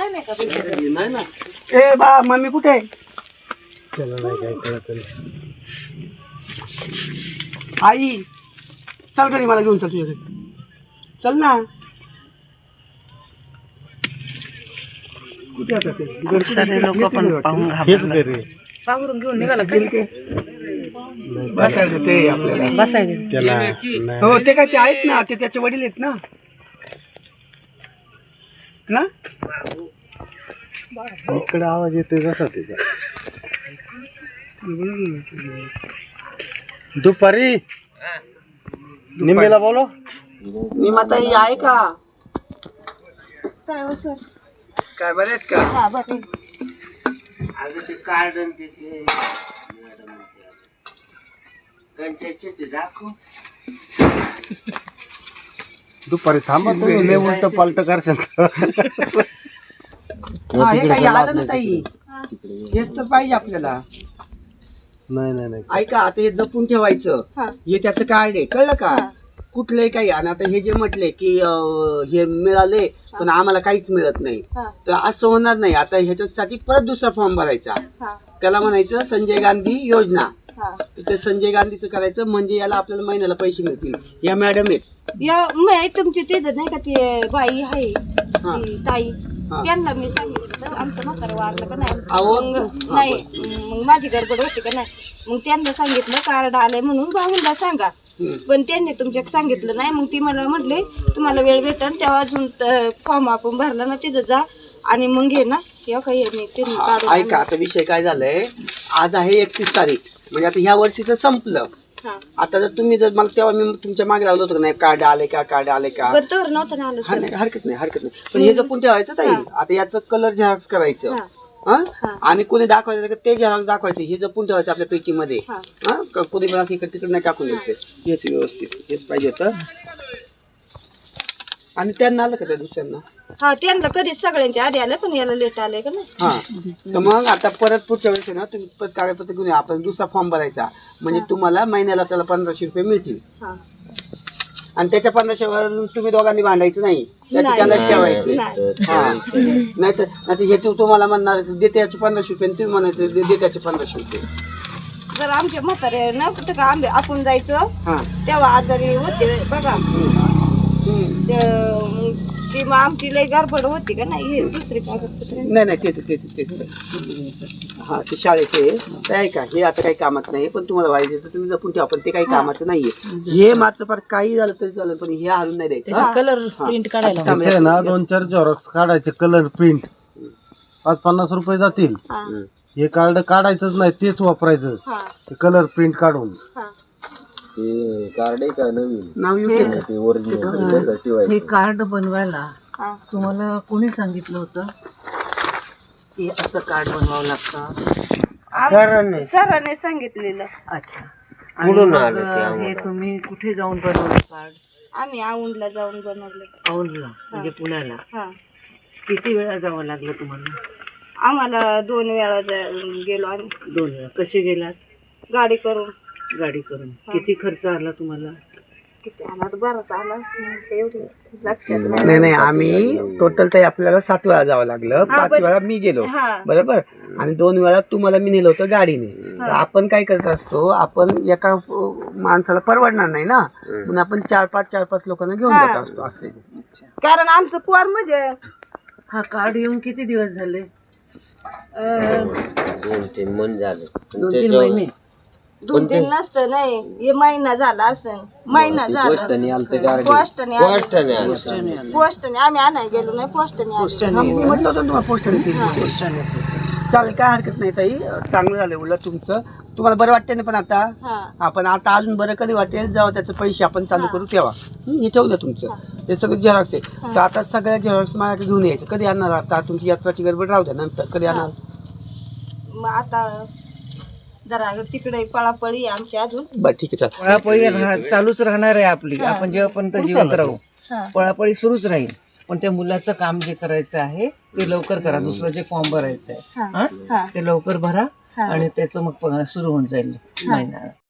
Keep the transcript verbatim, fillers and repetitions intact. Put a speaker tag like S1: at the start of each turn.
S1: नाही का बिल?
S2: नाही ना. ए बा मम्मी कुठे आहे? त्याला नाही काय कळत. आई चल घरी, मला घेऊन चल तुझ्या घरी. चल ना. कुठे आता ते?
S1: सारे लोक पण पाहून घाबरले. पांघरून घेऊन निघाला का?
S2: बसायचं ते आपल्याला
S1: बसायचं
S2: त्याला. हो ते काय ते आहेत ना, ते त्याचे वडील आहेत ना ना इकडे आवाज येतोय कसा त्याचा. दुपारी निम्मीला बोलो. निमाताई आहे का?
S3: काय हो सर?
S2: काय बरे आहेत का?
S3: हा बरं.
S4: अगं ते कार्ड आणि ते कंट्याचे ते दाखव.
S2: दुपारी थांबा तुम्ही, लय उलट पालट करशाल. हा, हे काही आलं ना ताई, हेच तर पाहिजे आपल्याला. नाही नाही नाही ऐका, आता हे जपून ठेवायचं.
S3: हा.
S2: हे त्याचं कार्ड आहे, कळलं का?
S3: हा.
S2: कुठलंही काही. आणि आता हे जे म्हटले की अं, हे मिळाले पण आम्हाला काहीच मिळत नाही,
S3: हा.
S2: तर असं होणार नाही. आता ह्याच्यासाठी परत दुसरा फॉर्म भरायचा.
S3: हा.
S2: त्याला म्हणायचं संजय गांधी योजना.
S3: हा.
S2: तर ते संजय गांधीचं करायचं, म्हणजे याला आपल्याला महिन्याला पैसे मिळतील. या मॅडम आहेत.
S3: या मी तुमची ते नाही का ती बाई आहे
S2: हा.
S3: ती ताई,
S2: हा.
S3: त्यांना मी सांगितलं आमचं म्हातारं वारलं का नाही.
S2: अहो,
S3: मग
S2: हा,
S3: नाही मग माझी गडबड होती का नाही, मग त्यांना सांगितलं कार्ड आलंय म्हणून बाहूनला सांगा.
S2: हम्म.
S3: पण त्यांनी तुमच्या सांगितलं नाही. मग ती मला म्हटले तुम्हाला वेळ भेटेल तेव्हा अजून फॉर्म आपण भरला ना तिथं जा आणि मग घे ना. तेव्हा काही मी त्यांनी काढून
S2: ऐका, आता विषय काय झालाय, आज आहे एकतीस तारीख, म्हणजे आता ह्या वर्षीचं संपलं.
S3: हा.
S2: आता जर तुम्ही जर मला तेव्हा मी तुमच्या मागे लागलो होतो का नाही, कार्ड आले का, कार्ड आले का.
S3: बरं तर नव्हतं ना आलं
S2: हा
S3: सर.
S2: नाही, हरकत नाही हरकत नाही, पण हे जपून ठेवायचं ताई.
S3: हा.
S2: आता याचं कलर झेरॉक्स करायचं.
S3: हा.
S2: हा?
S3: हा.
S2: आणि कोणी दाखवायचं का ते झेरॉक्स दाखवायचे, हे जपून ठेवायचं आपल्या पेटीमध्ये.
S3: हा.
S2: हा, क- कोणी मला इकडे तिकडे नाही टाकून द्यायचं. हेच व्यवस्थित, हेच पाहिजे होतं. आणि त्यांना आलं का त्या दुसऱ्यांना?
S3: हा, त्यांना कधीच सगळ्यांच्या आधी आलं पण याला लेट आलंय का नाही.
S2: हा, तर मग आता परत पुढच्या वेळेस आहे ना, तुम्ही परत कागदपत्र घेऊन या, आपण दुसरा फॉर्म भरायचा, म्हणजे तुम्हाला महिन्याला त्याला पंधराशे रुपये मिळतील.
S3: हा.
S2: आणि त्याच्या पंधराशेवर तुम्ही दोघांनी भांडायचं नाही, त्याचे
S3: नाही.
S2: त्यांनाच ठेवायचे.
S3: नाही.
S2: हा, नाही तर नाही हे तू तुम्हाला म्हणणार देते याचे पंधराशे रुपये आणि तुम्ही म्हणायचे दे- देते याचे पंधराशे रुपये.
S3: जर आमच्या म्हातारे ना कुठं का आंबे आपण जायचं
S2: हा.
S3: तेव्हा आजारी होते बघा.
S2: हम्म.
S3: ते- ती मग आमची लई गडबड होती का नाही. हे दुसरी कागदपत्र
S2: नाही नाही तेच तेच तेच हा, ते शाळेचे ते आहे का, हे आता काही कामात नाही, पण तुम्हाला पाहिजे तर तुम्ही जपून ठेवा, पण ते काही कामाचं नाहीये. हे मात्र फार काही झालं तरी चालेल, पण हे हरून नाही द्यायचं. हा?
S1: कलर प्रिंट काढायला
S2: थांब, या-
S5: ना दोन चार झेरॉक्स काढायचे, कलर प्रिंट पाच पन्नास रुपये जातील.
S3: हा.
S5: हे कार्ड काढायचंच नाही, तेच वापरायचं.
S3: हा.
S5: ते कलर प्रिंट काढून.
S3: हा.
S4: ते कार्ड आहे का नवीन
S2: नाव येऊ दे.
S4: ते ओरिजिनल त्यासाठी व्हायचं.
S1: हे कार्ड बनवायला
S3: हा.
S1: तुम्हाला कोणी सांगितलं होतं की असं कार्ड बनवावं लागतं?
S4: सरांनी
S3: सरांनी सांगितलेलं.
S1: अच्छा.
S4: कुठून
S1: आणि
S4: आलं ते
S1: मग हे
S4: आम्हाला?
S1: तुम्ही कुठे जाऊन बनवलं कार्ड?
S3: आम्ही औंधला जाऊन बनवलं.
S1: औंधला म्हणजे पुण्याला.
S3: हा.
S1: किती वेळा जावं लागलं तुम्हाला?
S3: आम्हाला दोन वेळा जा- गेलो आम्ही
S1: दोन वेळा. कसे गेलात?
S3: गाडी करून.
S1: गाडी करून. किती खर्च आला तुम्हाला?
S3: किती आम्हाला बराच आला एवढे लक्षात नाही.
S2: नाही नाही, आम्ही टोटल तर आपल्याला सात वेळा जावं लागलं. पाच
S3: पण-
S2: वेळा मी गेलो,
S3: हा.
S2: बरोबर, आणि दोन वेळा तुम्हाला मी नेलं होतं गाडीने. तर आपण काय करत असतो, आपण एका अं, माणसाला परवडणार नाही ना, म्हणून आपण चार पाच चार पाच लोकांना घेऊन
S3: हा.
S2: जात असतो असे.
S3: कारण आमचं पोर म्हणजे
S1: हा कार्ड येऊन किती दिवस झाले?
S3: अं,
S4: दोन तीन मन झाले.
S1: दोन तीन महिने.
S3: दोन तीन नसतं नाही, हे महिना झाला असं. महिना झाला
S4: पोस्टाने आलते कार्ड.
S3: पोस्टने आलं.
S4: पोस्टाने आलं.
S3: पोस्टने आम्ही आणायला गेलो नाही, पोस्टने आलो.
S2: हा, मी म्हटलं होतं तुम्हाला पोस्टाने
S1: पोस्टाने असेल.
S2: चालेल, काय हरकत नाही ताई, चांगलं झालं उलट तुमचं. तुम्हाला बरं वाटतं ना? पण आता
S3: हा.
S2: आपण आता अजून बरं कधी वाटेल जेव्हा त्याचे पैसे आपण चालू करू तेव्हा. हं, हे ठेवलं तुमचं, हे सगळं झेरॉक्स आहे. तर आता सगळ्या झेरॉक्स माझ्याकडे घेऊन यायचं. कधी आणणार? आता तुमची यात्राची गडबड राहू द्या, नंतर कधी आणणार?
S3: मग आता जरा तिकडे पळापळी आहे आमची अजून.
S2: बरं ठीक आहे, चालेल.
S1: पळापळी राह- चालूच राहणार आहे आपली. आपण जेव्हापर्यंत जिवंत राहू
S3: हा.
S1: पळापळी सुरूच राहील. पण त्या मुलाचं काम जे करायचं आहे ते लवकर करा. दुसरं जे फॉर्म भरायचं आहे
S3: हा.
S1: हा?
S3: हा.
S1: ते लवकर भरा
S3: हा.
S1: आणि त्याचं मग सुरू होऊन जाईल महिना.